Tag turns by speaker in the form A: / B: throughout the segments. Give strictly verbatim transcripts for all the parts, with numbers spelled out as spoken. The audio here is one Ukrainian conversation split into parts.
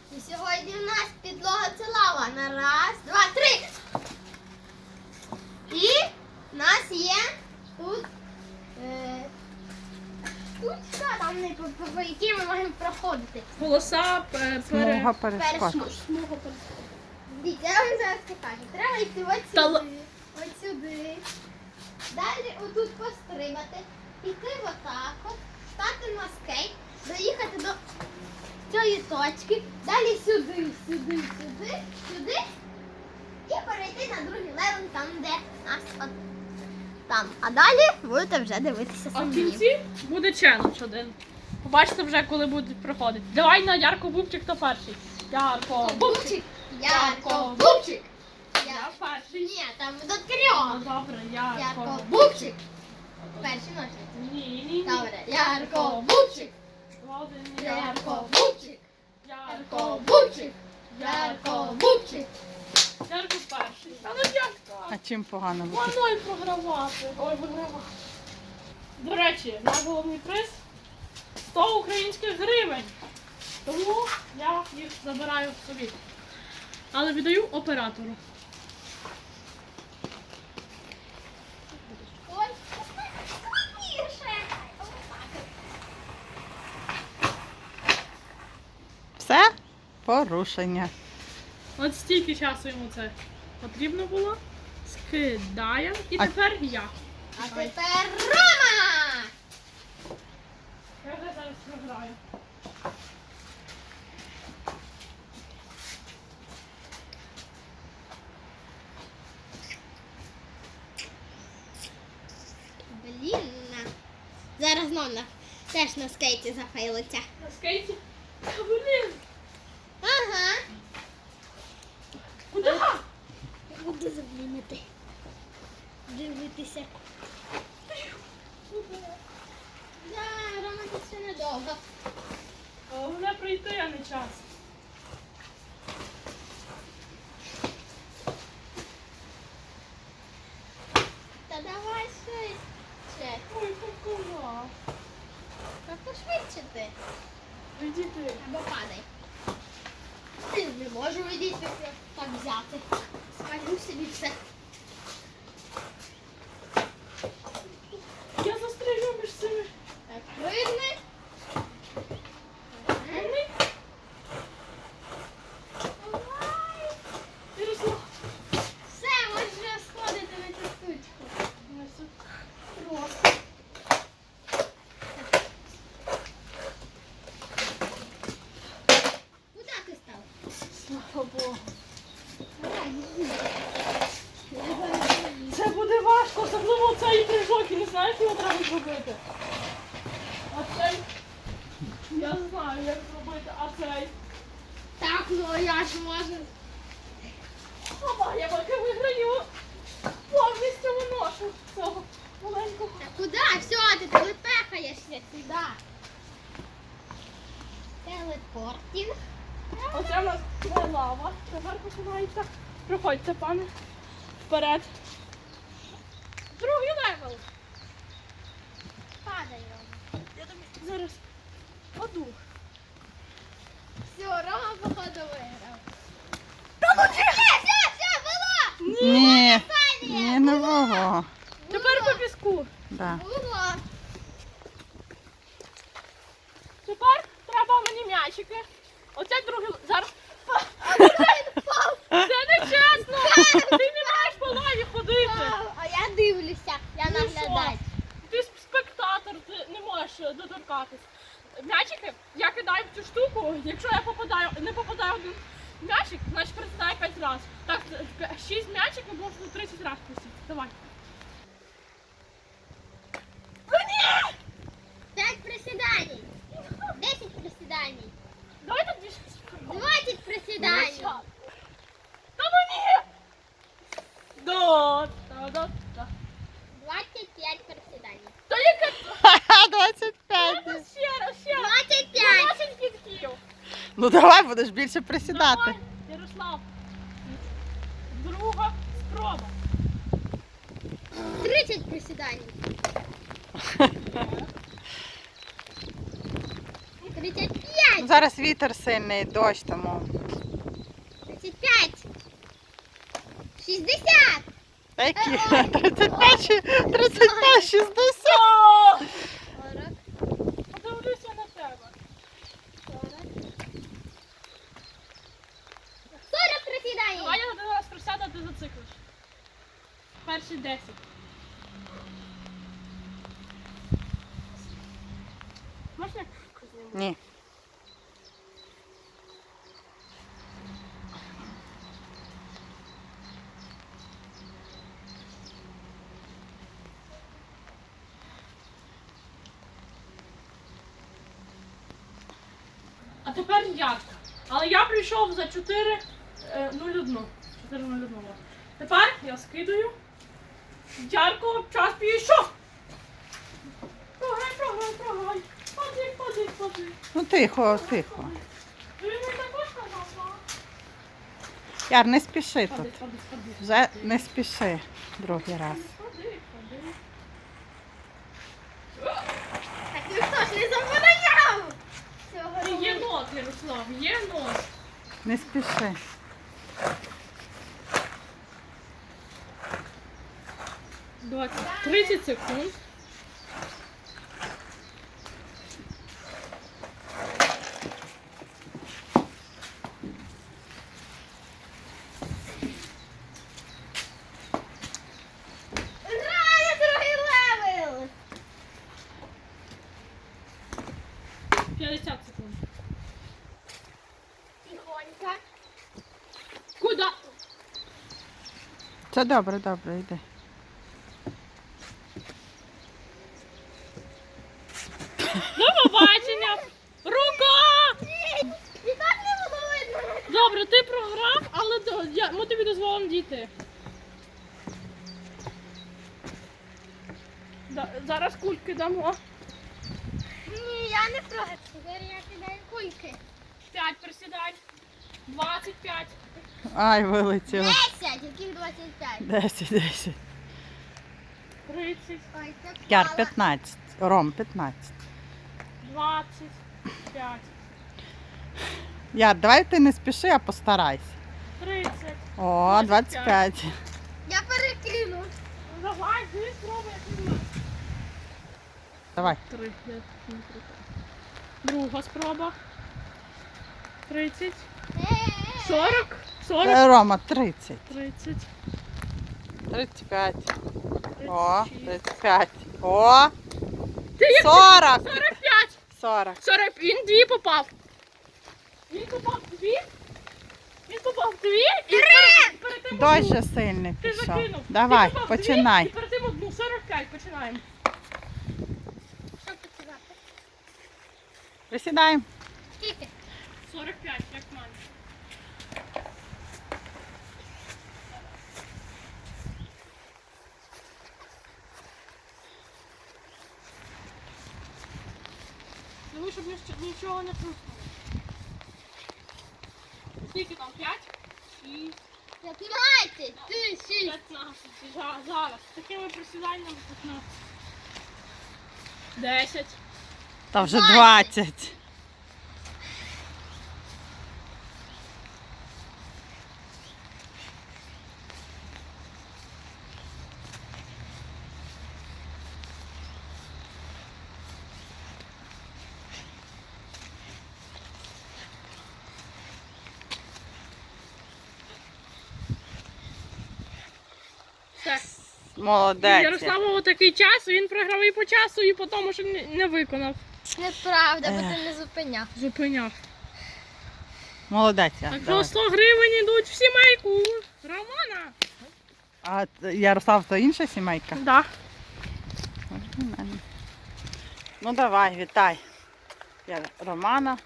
A: І сьогодні в нас підлога це лава. На раз, два, три. І в нас є тут е, штучка, там не по, по, по якій ми можемо проходити.
B: Полоса е,
C: Смуга
B: пере...
C: перешкод.
A: Перш- смуга перешкод. Дивіться, я вам зараз покажу. Треба йти от
B: Та л-
A: сюди, от сюди. Далі отут пострибати, піти отак от, стати на скейт, доїхати до цієї точки, далі сюди, сюди, сюди, сюди і перейти на другий левел, там, де нас от там. А далі будете вже дивитися
B: А в
A: самі.
B: кінці буде челендж один. Побачите вже, коли будуть проходити. Давай на Ярко Бубчик, хто перший. Ярко Бубчик.
A: Бубчик, Ярко, Бубчик.
B: Я перший.
A: Ні, там до
B: Ну,
A: трьох.
B: добре, Ярко
A: Ярко,
B: Бубчик.
A: Бубчик. Перші ножниці.
B: Ні, ні, ні.
A: Добре, Ярко, Бубчик.
B: Один,
A: Ярко, Бубчик.
B: Ярко
A: Ярко, Бубчик. Ярко, Бубчик.
B: Ярко перший. А ну Ярко.
C: А чим погано бути?
B: Воно й програвати. Ой, вигравати. До речі, наш головний приз сто українських гривень. Тому я їх забираю собі. Але віддаю оператору.
A: Ой, складніше.
C: Все? Порушення.
B: От стільки часу йому це потрібно було. Скидаємо. І
C: А-
B: тепер я.
A: А тепер Рома!
B: Я вже зараз програю.
A: Блін. на. Зараз знов на, теж на скейті зафейлиться.
B: На скейті. Та, блін.
A: Ага.
B: Куди?
A: Я буду заблінити. Дивитися. Да, Рома, це ще недовго.
B: Головне прийти, а не час.
A: Та давай швидше.
B: Ой, какова.
A: Та пошвидше ти.
B: Іди ти.
A: Або падай. Ти не можу відійти так взяти. Скажу собі все.
B: Я застрелю між цими.
A: Так, пригни.
B: Вони.
A: Давай.
B: Ярослав.
A: Все, можеш вже сходити на цю штучку.
B: Просто.
A: Куди ти став?
B: Слава Богу.
A: Давай, іди.
B: Це буде важко, особливо цей прыжок, і не знаю, як його треба зробити. А цей, я знаю, як зробити, а цей.
A: Так, ну я ж можу.
B: Опа, я поки виграю. Повністю виношу цього маленького.
A: Та куди? Все, ти телепехаєшся сюди. Телепортінг.
B: Оце в нас не лава. Тепер починається. Проходьте, пане. Вперед. Другий левел.
A: Падай, Рома.
B: Я тобі зараз паду.
A: Все, Рома, походу, виграв.
B: Та ну ні!
A: Все, все, все, було!
C: Ні, ні, не було.
B: Тепер по піску.
C: Да.
A: Було.
B: Тепер треба мені м'ячики. Оце другий л- зараз. Це не чесно! Ти не маєш по лаві ходити.
A: Вау, а я дивлюся, я
B: Ну
A: наглядач.
B: що? Ти спектатор, ти не можеш е, доторкатись. М'ячики я кидаю в цю штуку. Якщо я попадаю, не попадаю в один м'ячик, значить присідаю п'ять разів. Так, е, шість м'ячиків можна тридцять разів присісти. Давай. Ну ні!
A: П'ять присідань. Десять присідань.
B: Давай тут більше.
A: Двадцять присідань.
B: Та ну ні! Да, да, да, да.
A: Двадцять п'ять присідань.
B: Та яке?
C: двадцять п'ять.
B: Ще раз, ще раз.
A: Двадцять п'ять.
B: двадцять підків.
C: Ну давай будеш більше присідати.
B: Давай, Ярослав. Друга спроба.
A: Тридцять присідань. Тридцять п'ять. п'ять.
C: Зараз вітер сильний, дощ тому.
A: тридцять п'ять. шістдесят.
C: Та які? тридцять п'ять, ші- тридцять п'ять, шістдесят.
A: сорок.
B: Подивлюся на тебе.
A: сорок присідає.
B: Давай я один раз присяду, а ти зациклиш. Перші десять. Можна?
C: Ні.
B: А тепер я. Але я прийшов за чотири нуль один. чотири нуль один. Тепер я скидаю. Ярко, час пішов. Програй, програй, програй. Падай, падай, падай.
C: Ну тихо, тихо.
B: Ти не також казав?
C: Яр, не спіши
B: Падай,
C: тут.
B: падай, падай.
C: Вже не спіши другий раз.
B: Падай, падай.
A: Так ніхто ж не забороняв. Цього
B: Ти
A: робити.
B: Є нот, Ярослав, є нот.
C: Не спіши.
B: двадцять, тридцять секунд.
A: Грає другий левел.
B: п'ятдесят секунд.
A: Тихонько.
B: Куда?
C: Це добре, добре, йди.
B: До побачення! Рука!
A: І так не було видно.
B: Добре, ти програв, але до- я- ми тобі дозволимо дійти. Да- зараз кульки дамо.
A: Ні, я не програв. Тепер я кидаю кульки.
B: п'ять присідань. двадцять п'ять.
C: Ай, вилетіло.
A: десять, яких двадцять п'ять.
C: десять, десять.
B: тридцять.
A: Ой, це
C: Яр,
A: впала.
C: п'ятнадцять. Ром, п'ятнадцять.
B: двадцять п'ять.
C: Яр, давай ти не спіши, а постарайся.
B: тридцять.
C: О, двадцять п'ять.
A: Я перекину.
B: Ну, давай, ти спробуй, як ти знаєш.
C: Давай.
B: Три, я не крутила. Друга спроба. тридцять.
A: Е-е-е.
B: сорок. сорок.
C: Е, Рома, тридцять.
B: тридцять.
C: тридцять п'ять. О,
B: тридцять шість.
C: тридцять п'ять. О,
B: Ти як
C: сорок.
B: сорок п'ять.
C: сорок.
B: сорок. Він дві попав. Він попав дві. Він попав дві. І перед, перед тим
C: Дощ
B: одну.
C: же сильний
B: Ти
C: пішов.
B: закинув.
C: Давай,
B: Ти попав дві,
C: починай.
B: І перед тим одну. сорок п'ять. Починаємо.
A: Що починати?
C: Присідаємо.
A: Скільки?
B: сорок п'ять, як в мене. Ну, щоб ніч- нічого не хрустнуло. Скільки там? п'ять? шість,
A: п'ятнадцять. Ти шість.
B: п'ятнадцять. За- Зараз. З такими присіданнями п'ятнадцять. десять.
C: Та вже
A: двадцять.
C: двадцять.
B: Все.
C: Молодець.
B: Ярославу такий час, він програв і по часу, і по тому, що не- не виконав.
A: Неправда, бо
C: Ех.
A: ти не зупиняв.
B: Зупиняв.
C: Молодець. Яр,
B: Так що
C: давай.
B: сто гривень йдуть в сімейку. Романа.
C: А т- Ярослав, то інша сімейка?
B: Да.
C: Оригінально. Ну давай, вітай. Я Романа.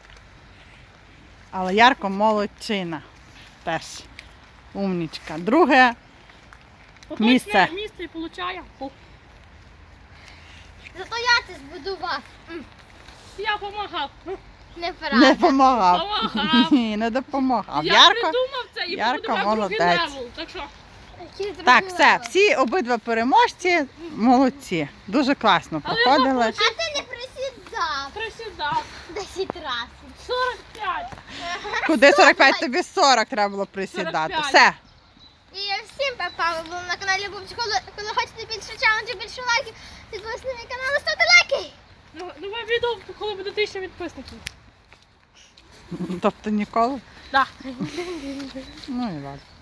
C: Але Ярко молодчина. Теж. Умнічка. Друге.
B: Поточне
C: Місце.
B: місце і получає. О,
A: Зато я це збудував.
B: я допомагав.
A: Неправда.
C: Не допомагав.
B: Допомагав.
C: Ні, не допомагав.
B: Я
C: Ярко.
B: придумав це і
C: Ярко
B: побудував другий
C: молодець.
B: левел. Так що
A: Який другий
C: Так, все,
A: левел?
C: всі обидва переможці молодці. Дуже класно
B: Але
C: проходили.
A: А ти не присідав.
B: присідав. Так.
A: десять разів.
B: сорок п'ять.
C: Куди сорок п'ять? Тобі сорок треба було присідати.
B: сорок п'ять.
C: Все.
A: І всім па-па, ви були на каналі Бубчик. Коли, коли хочете більше челенджів, більше лайків, підписуйтесь на мій канал і ставте лайки.
B: Ну, нове відео, коли буде тисяча підписників.
C: Тобто ніколи?
B: Так.
C: Ну і ладно.